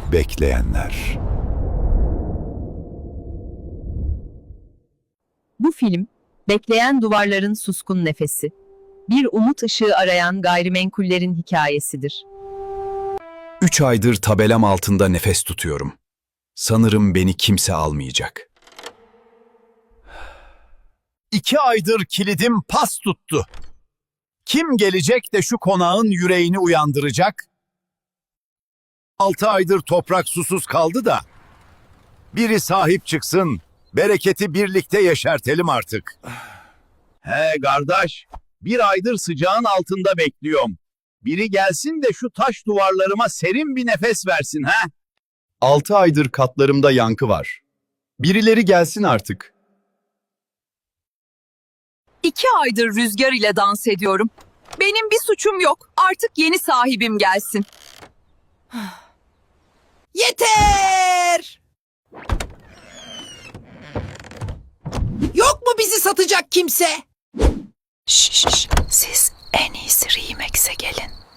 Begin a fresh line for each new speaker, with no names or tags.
Bekleyenler.
Bu film, bekleyen duvarların suskun nefesi. Bir umut ışığı arayan gayrimenkullerin hikayesidir.
3 aydır tabelam altında nefes tutuyorum. Sanırım beni kimse almayacak.
2 aydır kilidim pas tuttu. Kim gelecek de şu konağın yüreğini uyandıracak? 6 aydır toprak susuz kaldı da. Biri sahip çıksın, bereketi birlikte yeşertelim artık.
He kardeş, bir aydır sıcağın altında bekliyorum. Biri gelsin de şu taş duvarlarıma serin bir nefes versin ha.
6 aydır katlarımda yankı var. Birileri gelsin artık.
2 aydır rüzgar ile dans ediyorum. Benim bir suçum yok. Artık yeni sahibim gelsin.
Yeter! Yok mu bizi satacak kimse?
Şşş, siz en iyisi Remix'e gelin.